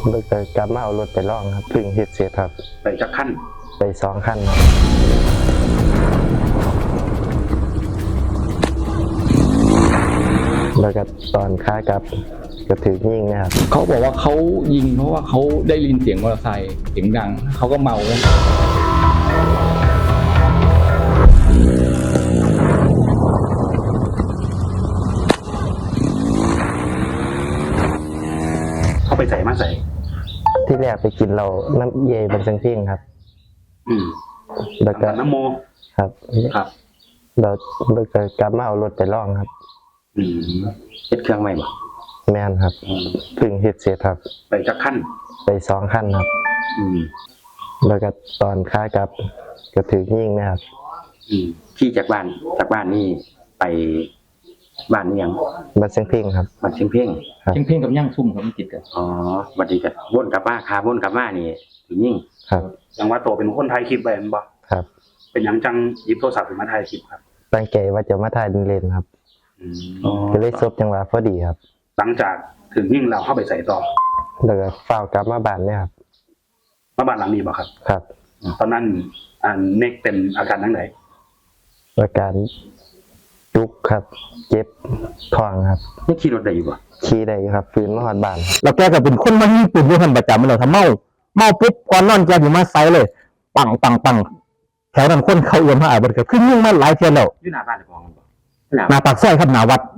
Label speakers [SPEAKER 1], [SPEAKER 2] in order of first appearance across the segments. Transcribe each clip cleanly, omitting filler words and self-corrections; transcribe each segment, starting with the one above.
[SPEAKER 1] แล้วก็กลับมาเอารถไปลองครับเพิ่งเฮ็ดเสร็จครับ
[SPEAKER 2] ไปจักขั้น
[SPEAKER 1] ไป2 คันครับแล้วก็ตอนค้ากลับก็ถือยิงนะครับ
[SPEAKER 3] เขาบอกว่าเขายิงเพราะว่าเขาได้ยินเสียงมอเตอร์ไซค์เสียงดังเขาก็เมา
[SPEAKER 2] เขาไปใส่มาใส่
[SPEAKER 1] ที่แรกไปกินเราน้ำเย่เป็นเพ่งครับแล้วก็
[SPEAKER 2] น้ำโม
[SPEAKER 1] ครับเราก็กลับมาเอารถไปลองครับ
[SPEAKER 2] เฮ็ดเครื่องใหม่บ่
[SPEAKER 1] แม่นครับเพิ่งเฮ็ดเสร็จครับ
[SPEAKER 2] ไปจักขั้น
[SPEAKER 1] ไป2 คันครับแล้วก็ตอนค้ากลับก็ถือยิงนะครับ
[SPEAKER 2] ขี่จากบ้านนี่ไปบ้านนี่ยัง
[SPEAKER 1] บ้านเพ่งครับ
[SPEAKER 2] บ้านเพ่ง
[SPEAKER 3] ครับเพ่งกับย่างซุ่มครับมันติดกัน
[SPEAKER 2] วันนี้ก็วนกลับมาวนกลับมานี่ถือยิง
[SPEAKER 1] ครับ
[SPEAKER 2] ยังว่าโตเป็นคนถ่ายคลิปไว้แม่นบ่
[SPEAKER 1] ครับ
[SPEAKER 2] เป็นหยังจังหยิบโทรศัพท์ขึ้นมาถ่ายคลิปครับ
[SPEAKER 1] ตั้งใจว่าจะมาถ่ายเล่นๆครับก็เลยซบจังหวะพอดีครับ
[SPEAKER 2] หลังจากถึงยิงเราเข้าไปใส่ต่อ
[SPEAKER 1] แล้วก็ฝ้าวกลับมาบ้านเนี่ยครับ
[SPEAKER 2] มาบ้านหลังนี้บ่ครับ
[SPEAKER 1] ครับ
[SPEAKER 2] ตอนนั้นเน็กเป็นอาการทั้งไหน
[SPEAKER 1] อาการจุกครับเจ็บท้องครับ
[SPEAKER 2] นี่ขี่รถได้อยู่บ่
[SPEAKER 1] ขี่ได้ครับฟื้นมาฮอดบ้าน
[SPEAKER 4] แล้วแกก็เป็นคนมายิงปืนอยู่ทันประจำเลยถ้าเมาปุ๊บก่อนนอนแกอยู่มาไซเลยปังแถวนั้นคนเขาเอื้อมมาอาบก็ขึ้นยิงมาหลายเทื่อแล้ว
[SPEAKER 2] อยู่หน้าบ้านของมันบ่
[SPEAKER 4] หน้าปากซอยครับหน้าวัด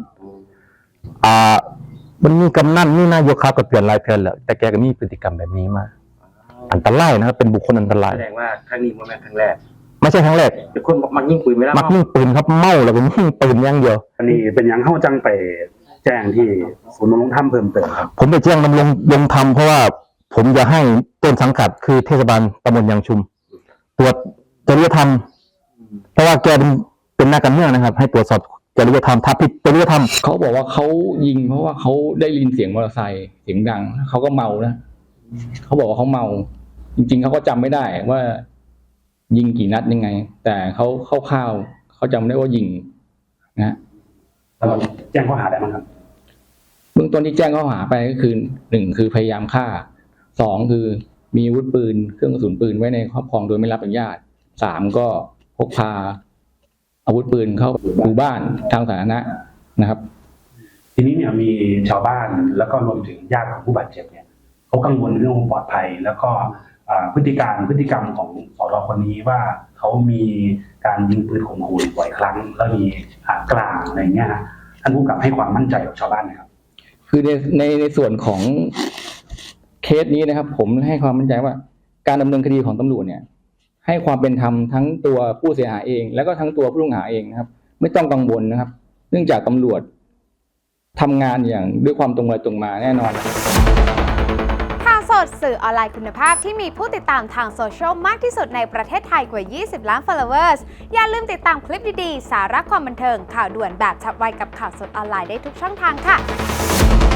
[SPEAKER 4] มันมีกำนันมีนายกเขาก็เตือนหลายเทื่อแล้วแต่แกก็มีพฤติกรรมแบบนี้มาอันตรายนะครับเป็นบุคคลอันตราย
[SPEAKER 2] แสดงว่าครั้งนี้บ่แม่นครั้งแรก
[SPEAKER 4] ไม่ใช่ครั้งแรก
[SPEAKER 2] เป็นคนมักยิงปืนไม่ละ
[SPEAKER 4] มักยิงปืนครับเมาแล้วก็ยิงปืนอย่างเดียว
[SPEAKER 2] อันนี้เป็นหยังเฮาจังไปแจ้งที่ศูนย์ดำรงธรรมเพิ่มเติมครับ
[SPEAKER 4] ผมไปแจ้งดำรงธรรมเพราะว่าผมจะให้ต้นสังกัดคือเทศบาลตำบลยางชุมตรวจจริยธรรมเพราะว่าแกเป็นนักการเมืองนะครับให้ตรวจสอบจริยธรรมถ้าผิดจริยธรรม
[SPEAKER 3] เขาบอกว่าเขายิงเพราะว่าเขาได้ยินเสียงมอเตอร์ไซค์เสียงดังเขาก็เมานะเขาบอกว่าเขาเมาจริงๆเขาก็จำไม่ได้ว่ายิงกี่นัดยังไงแต่เขาคร่าวๆเขาจำได้ว่ายิงนะ
[SPEAKER 2] แจ้งข้อหาได้มั้งครับ
[SPEAKER 3] เบื้องต้นที่แจ้งข้อหาไปก็คือ1คือพยายามฆ่า2คือมีอาวุธปืนเครื่องกระสุนปืนไว้ในครอบครองโดยไม่รับอนุญาต3ก็พกพาอาวุธปืนเข้าหมู่บ้านทางสาธารณะนะครับ
[SPEAKER 2] ทีนี้เนี่ยมีชาวบ้านแล้วก็รวมถึงญาติของผู้บาดเจ็บเนี่ยเขากังวลเรื่องความปลอดภัยแล้วก็พฤติกรรมของสร.คนนี้ว่าเขามีการยิงปืนข่มขู่บ่อยครั้งแล้วมีกลางอะไรเงี้ยท่านผู้กำกับให้ความมั่นใจกับชาวบ้านไหมครับ
[SPEAKER 3] คือในส่วนของเคสนี้นะครับผมให้ความมั่นใจว่าการดำเนินคดีของตำรวจเนี่ยให้ความเป็นธรรมทั้งตัวผู้เสียหายเองแล้วก็ทั้งตัวผู้ต้องหาเองนะครับไม่ต้องกังวลนะครับเนื่องจากตำรวจทำงานอย่างด้วยความตรงไปตรงมาแน่นอน
[SPEAKER 5] ข่าวสดสื่อออนไลน์คุณภาพที่มีผู้ติดตามทางโซเชียลมากที่สุดในประเทศไทยกว่า 20 ล้าน followers อย่าลืมติดตามคลิปดีๆสาระความบันเทิงข่าวด่วนแบบฉับไวกับข่าวสดออนไลน์ได้ทุกช่องทางค่ะ